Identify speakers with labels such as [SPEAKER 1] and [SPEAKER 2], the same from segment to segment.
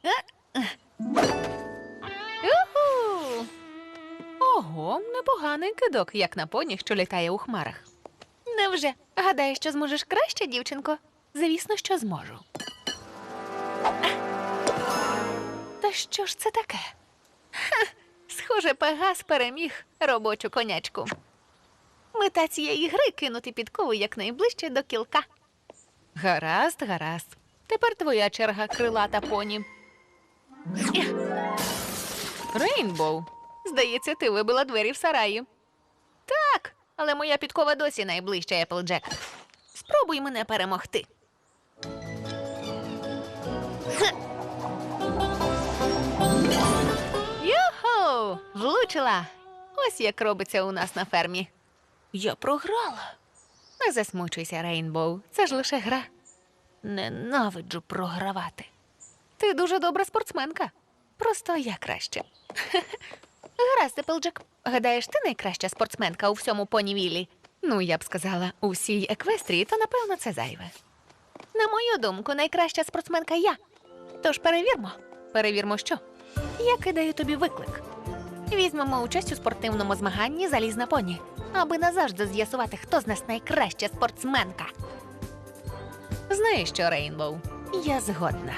[SPEAKER 1] Юху! Ого, непоганий кидок, як на поні, що літає у хмарах. Невже? Гадаєш, що зможеш краще, дівчинко? Звісно, що зможу. Та що ж це таке? Ха, схоже, Пегас переміг робочу конячку. Мета цієї гри — кинути підкову якнайближче до кілка. Гаразд, гаразд. Тепер твоя черга, крилата поні. Рейнбоу, здається, ти вибила двері в сараї. Так, але моя підкова досі найближча, Еплджек. Спробуй мене перемогти. Юху! Влучила! Ось як робиться у нас на фермі. Я програла. Не засмучуйся, Рейнбоу. Це ж лише гра. Ненавиджу програвати. Ти дуже добра спортсменка. Просто я краще. Гаразд, Еплджек. Гадаєш, ти найкраща спортсменка у всьому понівілі? Ну, я б сказала, у всій Еквестрії, то, напевно, це зайве. На мою думку, найкраща спортсменка я. Тож перевірмо. Перевірмо що? Я кидаю тобі виклик. Візьмемо участь у спортивному змаганні «Залізна поні», аби назавжди з'ясувати, хто з нас найкраща спортсменка. Знаєш що, Рейнбоу? Я згодна.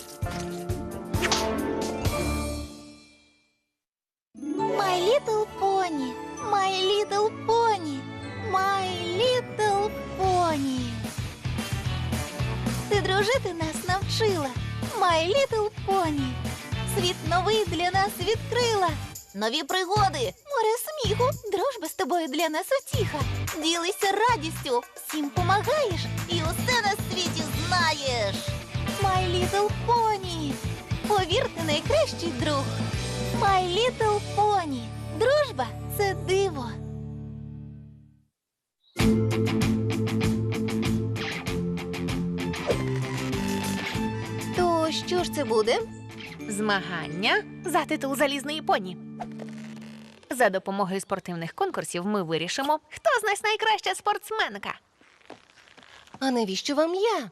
[SPEAKER 2] My Little Pony, My Little Pony, My Little Pony. Ти дружити нас навчила, My Little Pony. Світ новий для нас відкрила. Нові пригоди, море сміху, дружба з тобою для нас утіха. Ділися радістю, всім помагаєш і усе на світі знаєш. My Little Pony, повір, ти найкращий друг. My Little Pony. Дружба – це диво. То що ж це буде?
[SPEAKER 1] Змагання за титул «Залізної поні». За допомогою спортивних конкурсів ми вирішимо, хто з нас найкраща спортсменка.
[SPEAKER 2] А навіщо вам я?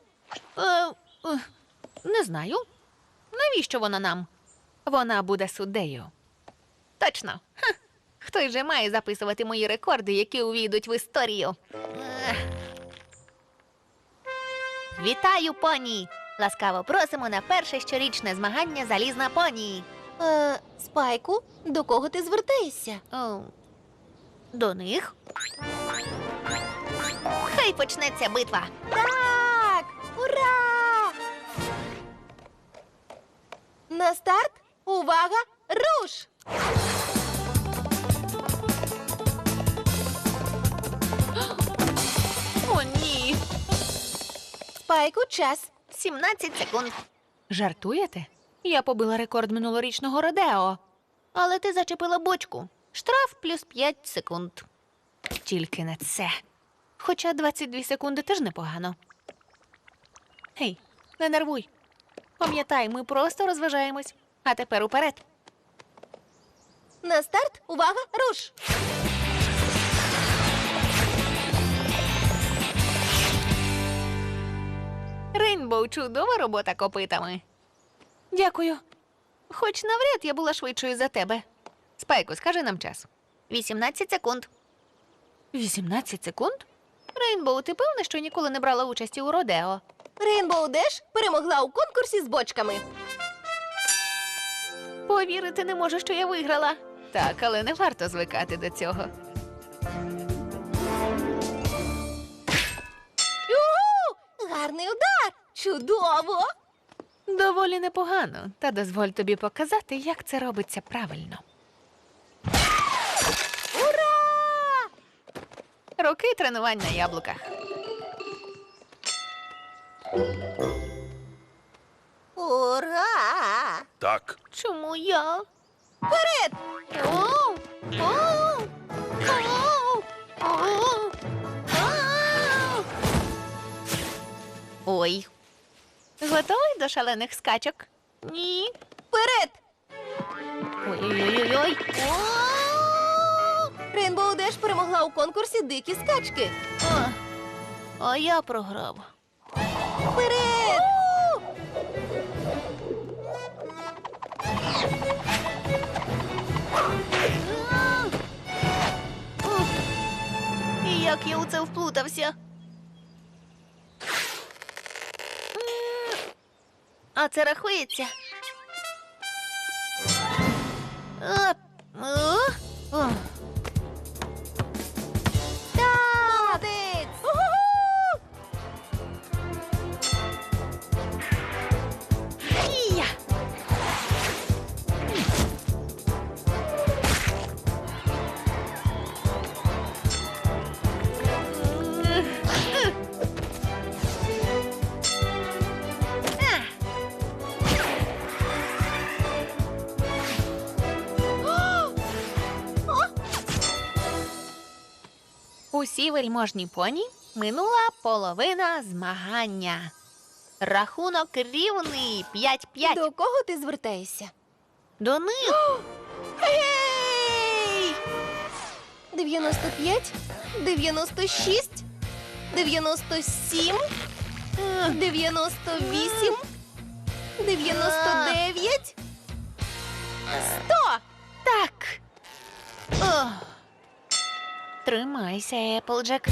[SPEAKER 1] Не знаю. Навіщо вона нам? Вона буде суддею. Точно. Ха. Хтось же має записувати мої рекорди, які увійдуть в історію. Вітаю, поні! Ласкаво просимо на перше щорічне змагання «Залізна поні».
[SPEAKER 2] Спайку, до кого ти звертаєшся?
[SPEAKER 1] До них. Хай почнеться битва.
[SPEAKER 2] Так! Ура! На старт! Увага! Руш!
[SPEAKER 1] О, ні!
[SPEAKER 2] Спайку, час.
[SPEAKER 1] 17 секунд. Жартуєте? Я побила рекорд минулорічного Родео. Але ти зачепила бочку. Штраф плюс 5 секунд. Тільки не це. Хоча 22 секунди теж непогано. Гей, не нервуй. Пам'ятай, ми просто розважаємось. А тепер уперед.
[SPEAKER 2] На старт! Увага! Руш!
[SPEAKER 1] Рейнбоу, чудова робота копитами. Дякую. Хоч навряд я була швидшою за тебе. Спайку, скажи нам час. 18 секунд. 18 секунд? Рейнбоу, ти певна, що ніколи не брала участі у Родео?
[SPEAKER 2] Рейнбоу Деш перемогла у конкурсі з бочками.
[SPEAKER 1] Повірити не можу, що я виграла. Так, але не варто звикати до цього.
[SPEAKER 2] Юху! Гарний удар! Чудово!
[SPEAKER 1] Доволі непогано, та дозволь тобі показати, як це робиться правильно.
[SPEAKER 2] Ура!
[SPEAKER 1] Роки тренувань на яблуках.
[SPEAKER 2] Ура!
[SPEAKER 3] Так,
[SPEAKER 1] Чому я?
[SPEAKER 2] Вперед!
[SPEAKER 1] Оу! Оу! Оу! Оу! Ау! Ой. Готовий до шалених скачок? Ні.
[SPEAKER 2] Вперед!
[SPEAKER 1] Ой-ой-ой-ой.
[SPEAKER 2] Рейнбоу Деш перемогла у конкурсі дикі скачки.
[SPEAKER 1] А я програв.
[SPEAKER 2] Вперед!
[SPEAKER 1] знову це вплутався. А це рахується? Оп. О. О.
[SPEAKER 2] Молодець!
[SPEAKER 1] Ія! Усі вельможні поні минула половина змагання. Рахунок рівний 5-5.
[SPEAKER 2] До кого ти звертаєшся?
[SPEAKER 1] До них.
[SPEAKER 2] Гей! 95, 96, 97, 98, 99, 100!
[SPEAKER 1] Так. О. Тримайся, Еплджек.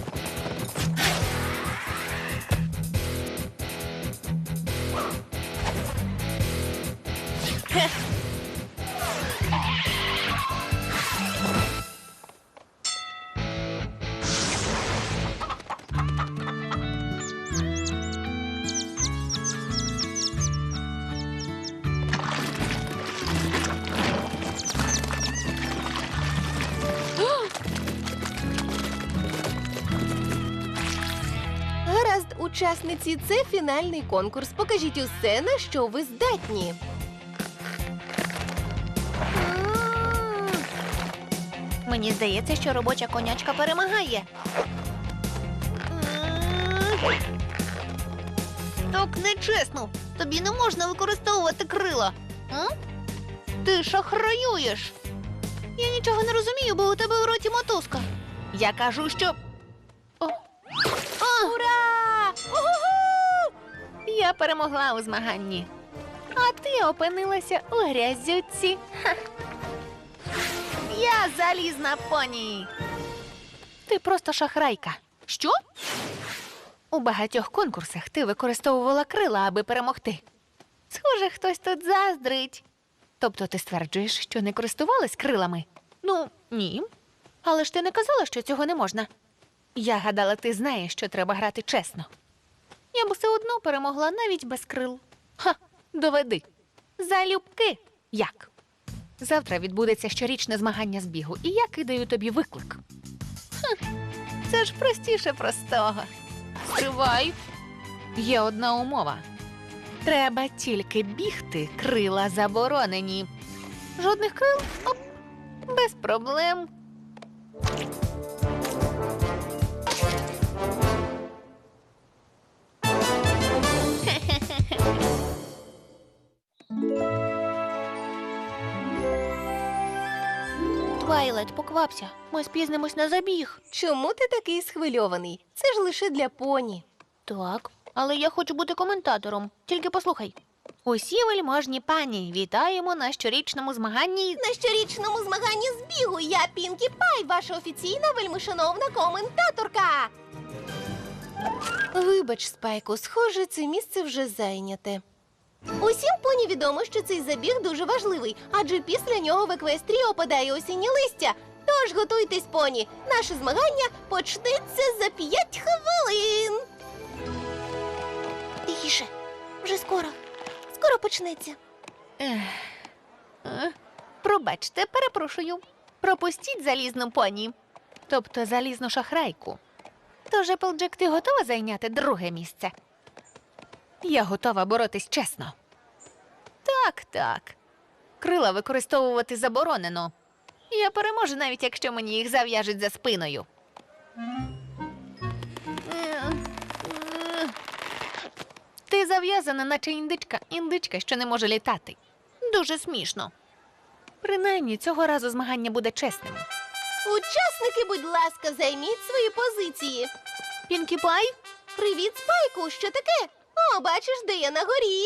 [SPEAKER 1] Хе.
[SPEAKER 2] Гаразд, учасниці, це фінальний конкурс. Покажіть усе, на що ви здатні.
[SPEAKER 1] Мені здається, що робоча конячка перемагає. Так нечесно. Тобі не можна використовувати крила. М? Ти шахраюєш. Я нічого не розумію, бо у тебе в роті мотузка. Я кажу, що. О.
[SPEAKER 2] Ура!
[SPEAKER 1] Я перемогла у змаганні. А ти опинилася у грязюці. Ха. Я залізна поні. Ти просто шахрайка. Що? У багатьох конкурсах ти використовувала крила, аби перемогти. Схоже, хтось тут заздрить. Тобто ти стверджуєш, що не користувалась крилами? Ну, ні. Але ж ти не казала, що цього не можна. Я гадала, ти знаєш, що треба грати чесно. Я б все одно перемогла навіть без крил. Ха, доведи. Залюбки. Як? Завтра відбудеться щорічне змагання з бігу, і я кидаю тобі виклик. Це ж простіше простого. Стривай. Є одна умова. Треба тільки бігти, крила заборонені. Жодних крил? Оп. Без проблем. Твайлайт, поквапся. Ми спізнимось на забіг.
[SPEAKER 2] Чому ти такий схвильований? Це ж лише для поні.
[SPEAKER 1] Так, але я хочу бути коментатором. Тільки послухай. Усі вельможні пані, вітаємо на щорічному змаганні.
[SPEAKER 2] На щорічному змаганні з бігу я Пінкі Пай, ваша офіційна вельмишановна коментаторка. Вибач, Спайку, схоже, це місце вже зайняте. Усім поні відомо, що цей забіг дуже важливий, адже після нього в еквестрії опадає осіннє листя. Тож готуйтесь, поні. Наше змагання почнеться за 5 хвилин. Тихіше, вже скоро. Скоро почнеться.
[SPEAKER 1] Пробачте, перепрошую. Пропустіть залізну поні. Тобто залізну шахрайку. Тож, Еплджек, ти готова зайняти друге місце? Я готова боротись чесно. Так, так. Крила використовувати заборонено. Я переможу, навіть якщо мені їх зав'яжуть за спиною. Ти зав'язана, наче індичка. Індичка, що не може літати. Дуже смішно. Принаймні, цього разу змагання буде чесним.
[SPEAKER 2] Учасники, будь ласка, займіть свої позиції.
[SPEAKER 1] Пінкі Пай?
[SPEAKER 2] Привіт, Спайку, що таке? О, бачиш, де я на горі.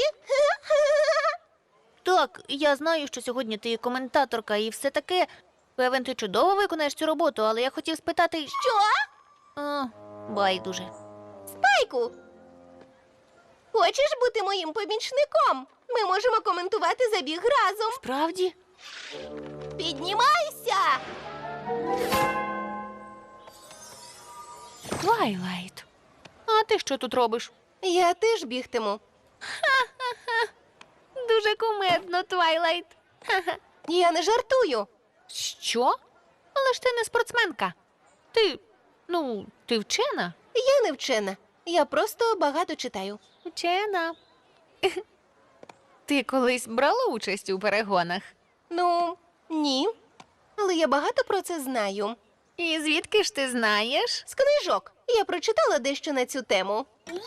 [SPEAKER 1] Так, я знаю, що сьогодні ти коментаторка і все таке. Певен, ти чудово виконаєш цю роботу, але я хотів спитати.
[SPEAKER 2] Що?
[SPEAKER 1] О, байдуже.
[SPEAKER 2] Спайку! Хочеш бути моїм помічником? Ми можемо коментувати забіг разом.
[SPEAKER 1] Справді?
[SPEAKER 2] Піднімайся!
[SPEAKER 1] Твайлайт. А ти що тут робиш?
[SPEAKER 2] Я теж бігтиму.
[SPEAKER 1] Дуже кумедно, Твайлайт.
[SPEAKER 2] Я не жартую.
[SPEAKER 1] Що? Але ж ти не спортсменка. Ти вчена?
[SPEAKER 2] Я не вчена. Я просто багато читаю.
[SPEAKER 1] Вчена. Ти колись брала участь у перегонах?
[SPEAKER 2] Ну, ні. Але я багато про це знаю.
[SPEAKER 1] І звідки ж ти знаєш?
[SPEAKER 2] З книжок. Я прочитала дещо на цю тему.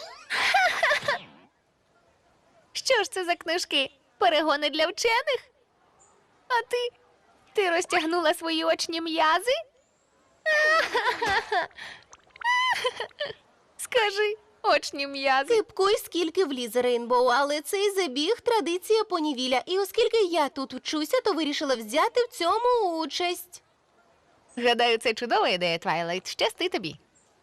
[SPEAKER 1] Що ж це за книжки? Перегони для вчених? А ти? Ти розтягнула свої очні м'язи? Скажи, очні м'язи.
[SPEAKER 2] Кипкуй, скільки влізе, Рейнбоу, але цей забіг – традиція понівіля. І оскільки я тут вчуся, то вирішила взяти в цьому участь.
[SPEAKER 1] Гадаю, це чудова ідея, Твайлайт. Щасти тобі.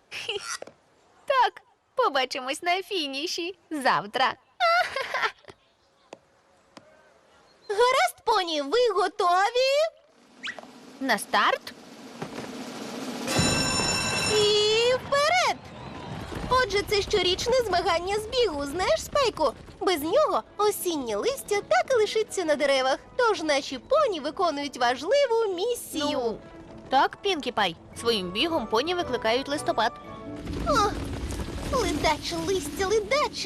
[SPEAKER 1] Так, побачимось на фініші завтра.
[SPEAKER 2] Гаразд, поні, ви готові?
[SPEAKER 1] На старт?
[SPEAKER 2] І вперед! Отже, це щорічне змагання з бігу, знаєш, Спайку? Без нього осіннє листя так і лишиться на деревах. Тож наші поні виконують важливу місію.
[SPEAKER 1] Ну, так, Пінкі Пай. Своїм бігом поні викликають листопад.
[SPEAKER 2] О, ледаче листя, ледаче.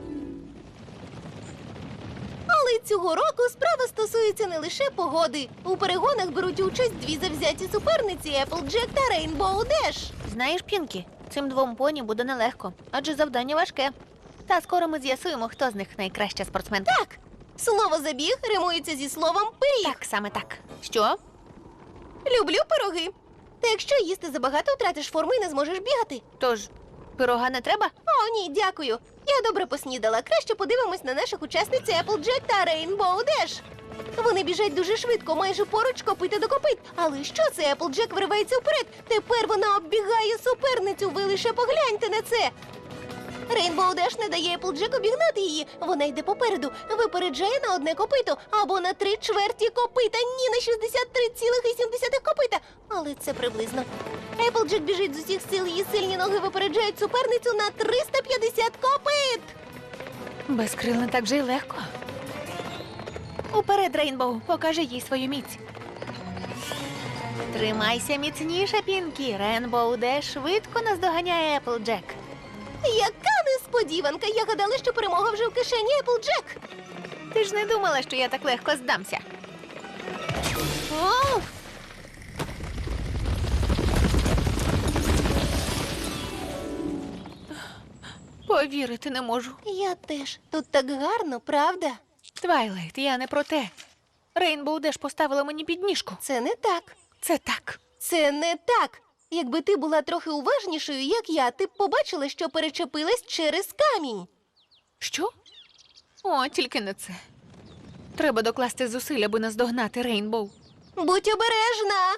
[SPEAKER 2] Але цього року справа стосується не лише погоди. У перегонах беруть участь дві завзяті суперниці Applejack та Rainbow Dash.
[SPEAKER 1] Знаєш, Пінкі, цим двом поні буде нелегко, адже завдання важке. Та скоро ми з'ясуємо, хто з них найкраща спортсменка.
[SPEAKER 2] Так, слово забіг римується зі словом пиріг.
[SPEAKER 1] Так, саме так. Що?
[SPEAKER 2] Люблю пироги. Та якщо їсти забагато, втратиш форму і не зможеш бігати.
[SPEAKER 1] Тож, пирога не треба?
[SPEAKER 2] О, ні, дякую. Я добре поснідала. Краще подивимось на наших учасниць Applejack та Rainbow Dash. Вони біжать дуже швидко, майже поруч копита до копит. Але що це? Applejack виривається вперед. Тепер вона оббігає суперницю. Ви лише погляньте на це. Rainbow Dash не дає Applejack обігнати її. Вона йде попереду, випереджає на одне копито або на 3/4 копита. Ні, на 63,7 копита. Але це приблизно. Applejack біжить з усіх сил, її сильні ноги випереджають суперницю на 350 копит.
[SPEAKER 1] Без крил не так же й легко. Уперед, Рейнбоу, покажи їй свою міць. Тримайся міцніше, Пінкі. Рейнбоу Деш швидко наздоганяє Applejack.
[SPEAKER 2] Яка несподіванка! Я гадала, що перемога вже в кишені Applejack.
[SPEAKER 1] Ти ж не думала, що я так легко здамся. О! Повірити не можу.
[SPEAKER 2] Я теж. Тут так гарно, правда?
[SPEAKER 1] Твайлайт, я не про те. Рейнбоу Деш поставила мені підніжку.
[SPEAKER 2] Це не так.
[SPEAKER 1] Це так.
[SPEAKER 2] Це не так. Якби ти була трохи уважнішою, як я, ти б побачила, що перечепилась через камінь.
[SPEAKER 1] Що? О, тільки не це. Треба докласти зусиль, аби наздогнати Рейнбоу.
[SPEAKER 2] Будь обережна.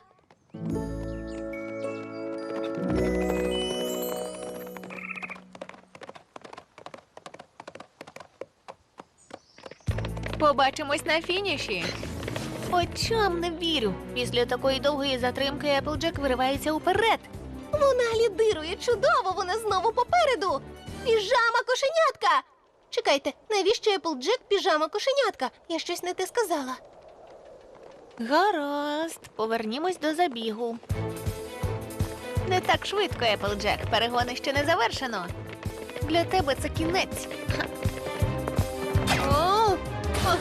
[SPEAKER 1] Побачимось на фініші. Очам не вірю. Після такої довгої затримки Applejack виривається уперед.
[SPEAKER 2] Вона лідирує чудово, вона знову попереду. Піжама кошенятка. Чекайте, навіщо Applejack піжама кошенятка? Я щось не те сказала.
[SPEAKER 1] Гаразд, повернімось до забігу. Не так швидко, Applejack. Перегони ще не завершено. Для тебе це кінець. Ха. О! О!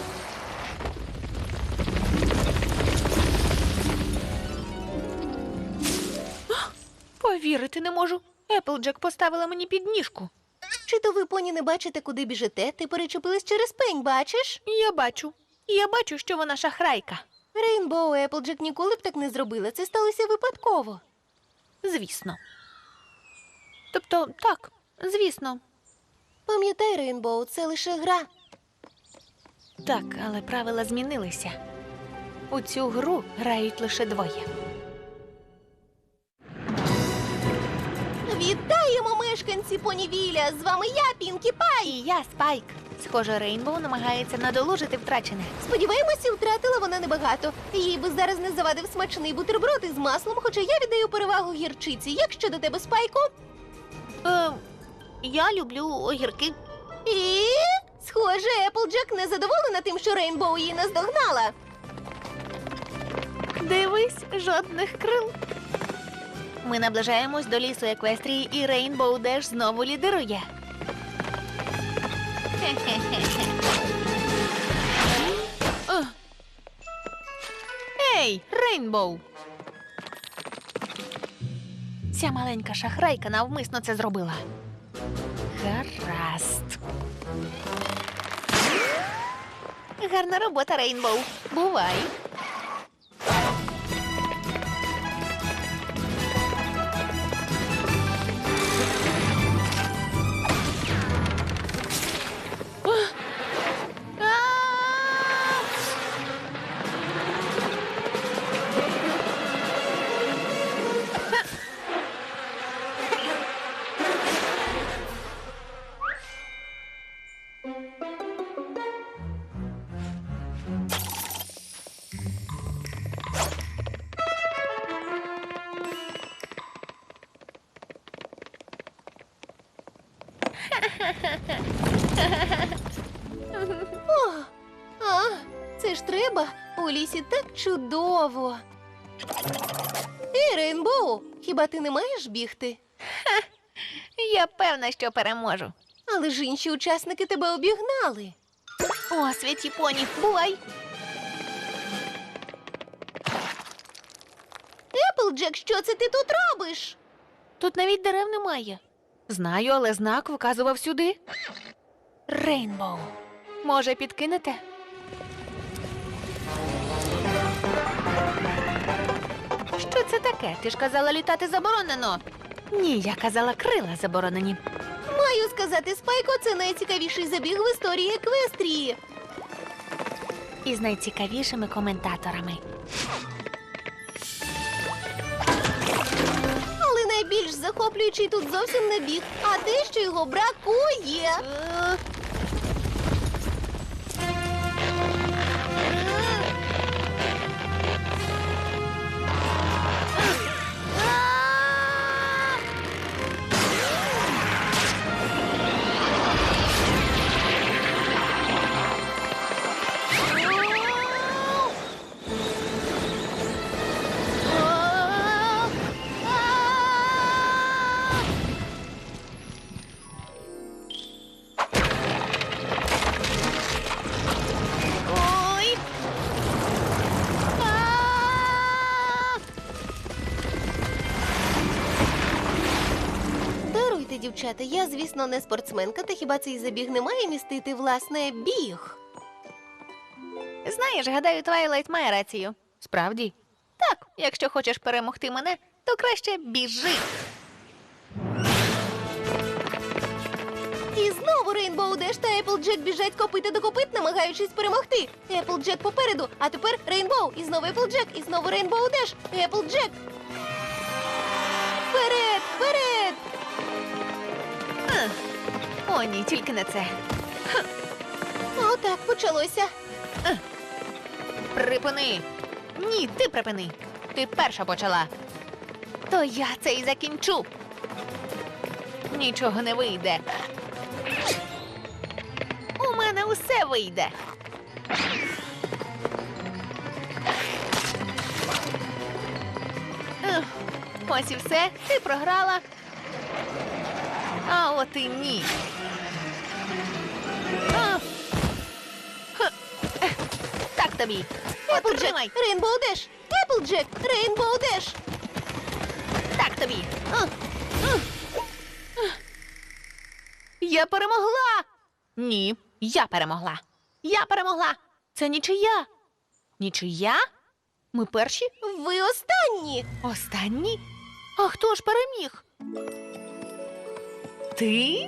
[SPEAKER 1] Повірити не можу. Applejack поставила мені підніжку.
[SPEAKER 2] Чи то ви, поні, не бачите, куди біжите? Ти перечепилась через пень, бачиш?
[SPEAKER 1] Я бачу. Я бачу, що вона шахрайка.
[SPEAKER 2] Рейнбоу і Applejack ніколи б так не зробили. Це сталося випадково.
[SPEAKER 1] Звісно. Тобто, так, звісно.
[SPEAKER 2] Пам'ятай, Рейнбоу, це лише гра.
[SPEAKER 1] Так, але правила змінилися. У цю гру грають лише двоє.
[SPEAKER 2] Світі Понівіля! З вами я, Пінкі Пай!
[SPEAKER 1] І я, Спайк. Схоже, Рейнбоу намагається надолужити втрачене.
[SPEAKER 2] Сподіваємося, втратила вона небагато. Їй би зараз не завадив смачний бутерброд із маслом, хоча я віддаю перевагу гірчиці. Як щодо тебе, Спайку?
[SPEAKER 1] Я люблю огірки.
[SPEAKER 2] І, схоже, Еплджек не задоволена тим, що Рейнбоу її наздогнала.
[SPEAKER 1] Дивись, жодних крил. Ми наближаємось до лісу Еквестрії, і Рейнбоу Деш знову лідирує. Ugh. Ей, Рейнбоу! Ця маленька шахрайка навмисно це зробила. Гаразд. Гарна робота, Рейнбоу. Бувай.
[SPEAKER 2] Це ж треба. У лісі так чудово. Ей, Рейнбоу, хіба ти не маєш бігти?
[SPEAKER 1] Я певна, що переможу.
[SPEAKER 2] Але ж інші учасники тебе обігнали.
[SPEAKER 1] О, святі поні, бувай.
[SPEAKER 2] Еплджек, що це ти тут робиш?
[SPEAKER 1] Тут навіть дерев немає. Знаю, але знак вказував сюди. Рейнбоу. Може, підкинете? Що це таке? Ти ж казала, літати заборонено. Ні, я казала, крила заборонені.
[SPEAKER 2] Маю сказати, Спайко, це найцікавіший забіг в історії Еквестрії.
[SPEAKER 1] І з найцікавішими коментаторами.
[SPEAKER 2] Але найбільш захоплюючий тут зовсім не біг, а те, що його бракує.
[SPEAKER 1] Ой!
[SPEAKER 2] Даруйте, дівчата, я, звісно, не спортсменка, та хіба цей забіг не має містити, власне, біг?
[SPEAKER 1] Знаєш, гадаю, Твайлайт має рацію. Справді? Так, якщо хочеш перемогти мене, то краще біжи.
[SPEAKER 2] І знову Рейнбоу Деш та Еплджек біжать копита до копит, намагаючись перемогти. Еплджек попереду, а тепер Рейнбоу, і знову Еплджек, і знову Рейнбоу Деш, Еплджек. Вперед, вперед!
[SPEAKER 1] О, ні, тільки не це.
[SPEAKER 2] Отак почалося.
[SPEAKER 1] Припини. Ні, ти припини. Ти перша почала. То я це і закінчу. Нічого не вийде. У мене усе вийде. Ось і все. Ти програла. А от і ні. Так тобі.
[SPEAKER 2] Еплджек,
[SPEAKER 1] Потримай.
[SPEAKER 2] Рейнбоу Деш, Еплджек, Рейнбоу Деш.
[SPEAKER 1] Так тобі. Я перемогла. Ні, я перемогла. Я перемогла. Це нічия. Нічия? Ми перші?
[SPEAKER 2] Ви останні.
[SPEAKER 1] Останні? А хто ж переміг? Ти?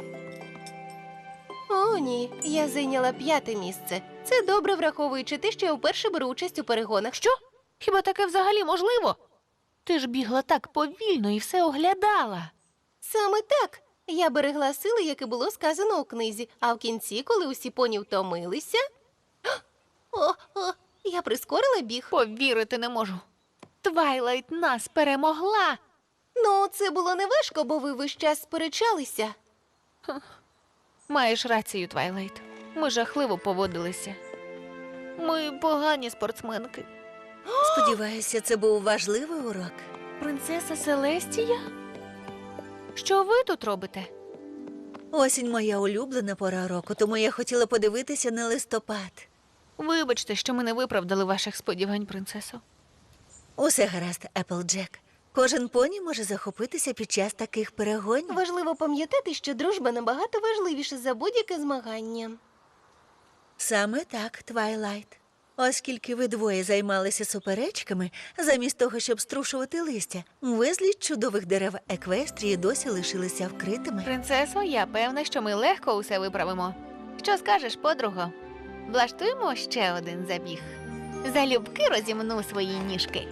[SPEAKER 2] О, ні, я зайняла 5-те місце. Це добре, враховуючи те, що я вперше беру участь у перегонах.
[SPEAKER 1] Що? Хіба таке взагалі можливо? Ти ж бігла так повільно і все оглядала.
[SPEAKER 2] Саме так.
[SPEAKER 3] Я берегла сили, як і було сказано у книзі, а в кінці, коли усі поні втомилися. Я прискорила біг.
[SPEAKER 1] Повірити не можу. Твайлайт нас перемогла.
[SPEAKER 3] Ну, це було не важко, бо ви весь час сперечалися.
[SPEAKER 1] Маєш рацію, Твайлайт. Ми жахливо поводилися. Ми погані спортсменки.
[SPEAKER 2] Сподіваюся, це був важливий урок.
[SPEAKER 1] Принцеса Селестія? Що ви тут робите?
[SPEAKER 2] Осінь моя улюблена пора року, тому я хотіла подивитися на листопад.
[SPEAKER 1] Вибачте, що ми не виправдали ваших сподівань, принцесо.
[SPEAKER 2] Усе гаразд, Еплджек. Кожен поні може захопитися під час таких перегонів.
[SPEAKER 3] Важливо пам'ятати, що дружба набагато важливіша за будь-яке змагання.
[SPEAKER 2] Саме так, Твайлайт. Оскільки ви двоє займалися суперечками, замість того, щоб струшувати листя, безліч чудових дерев Еквестрії досі лишилися вкритими.
[SPEAKER 1] Принцесо, я певна, що ми легко усе виправимо. Що скажеш, подруго? Влаштуємо ще один забіг. Залюбки розімну свої ніжки.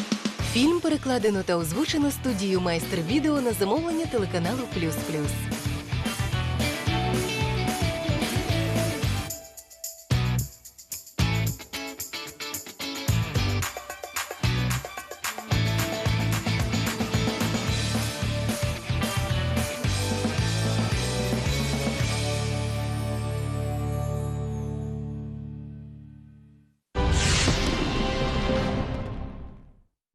[SPEAKER 3] Фільм перекладено та озвучено студією «Майстер Відео» на замовлення телеканалу «Плюс Плюс».